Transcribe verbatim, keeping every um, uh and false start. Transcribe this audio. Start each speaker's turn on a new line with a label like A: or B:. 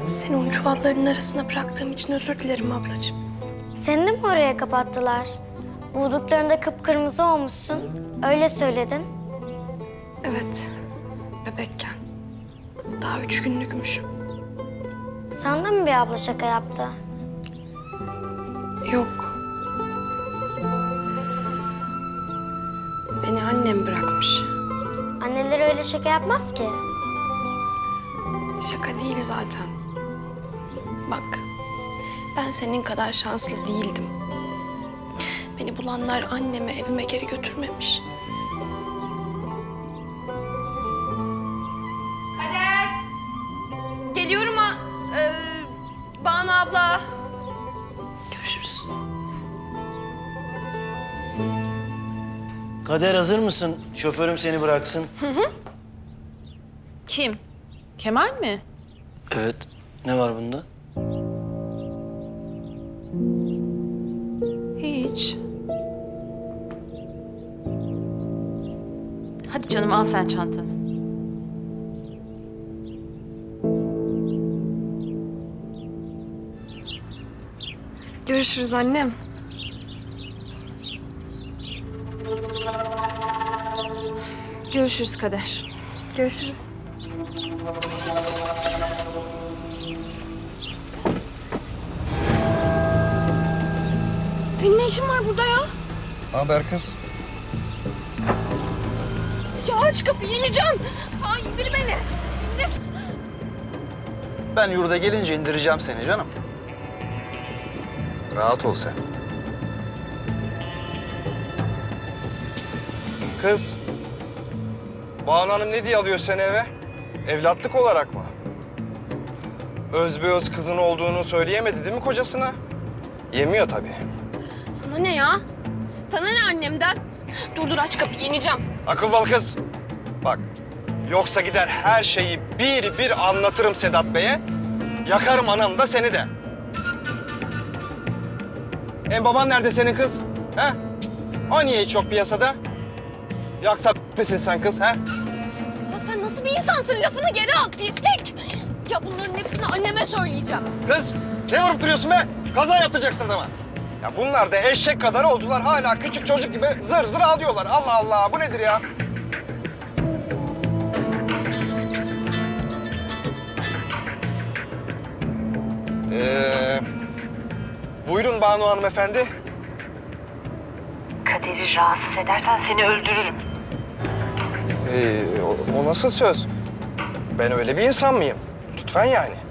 A: Seni un çuvallarının arasına bıraktığım için özür dilerim ablacığım.
B: Seni de mi oraya kapattılar? Bulduklarında kıpkırmızı olmuşsun. Öyle söyledin.
A: Evet, bebekken. Daha üç günlükmüşüm.
B: Sana da mı bir abla şaka yaptı?
A: Yok. Beni annem bırakmış.
B: Anneler öyle şaka yapmaz ki.
A: Şaka değil zaten. Bak, ben senin kadar şanslı değildim. Beni bulanlar anneme, evime geri götürmemiş.
C: Kader! Geliyorum ha. Ee, Banu abla.
A: Görüşürüz.
D: Kader hazır mısın? Şoförüm seni bıraksın.
C: Kim? Kemal mi?
D: Evet. Ne var bunda?
A: Hiç.
C: Hadi canım al sen çantanı.
A: Görüşürüz annem.
C: Görüşürüz Kader.
A: Görüşürüz. Senin ne işin var burada ya?
E: Haber kız?
A: Ya aç kapıyı, ineceğim. Ha, indir beni. İndir.
E: Ben yurda gelince indireceğim seni canım. Rahat ol sen. Kız, Banu Hanım ne diye alıyor seni eve? Evlatlık olarak mı? Özbeöz kızın olduğunu söyleyemedi değil mi kocasına? Yemiyor tabii.
A: Sana ne ya? Sana ne annemden? Dur dur, aç kapıyı, ineceğim.
E: Akıl val kız. Bak, yoksa gider her şeyi bir bir anlatırım Sedat Bey'e. Yakarım anam da seni de. Hem baban nerede senin kız? He? O niye hiç yok piyasada? Yoksa misin sen kız, he?
A: Ya sen nasıl bir insansın? Lafını geri al, pislik. Ya bunların hepsini anneme söyleyeceğim.
E: Kız, ne vurup duruyorsun be? Kaza yaptıracaksın adama. Ya bunlar da eşek kadar oldular. Hala küçük çocuk gibi zır zır ağlıyorlar. Allah Allah, bu nedir ya? Ee, buyurun Banu hanımefendi.
F: Kader'i rahatsız edersen seni öldürürüm.
E: Ee, o, o nasıl söz? Ben öyle bir insan mıyım? Lütfen yani.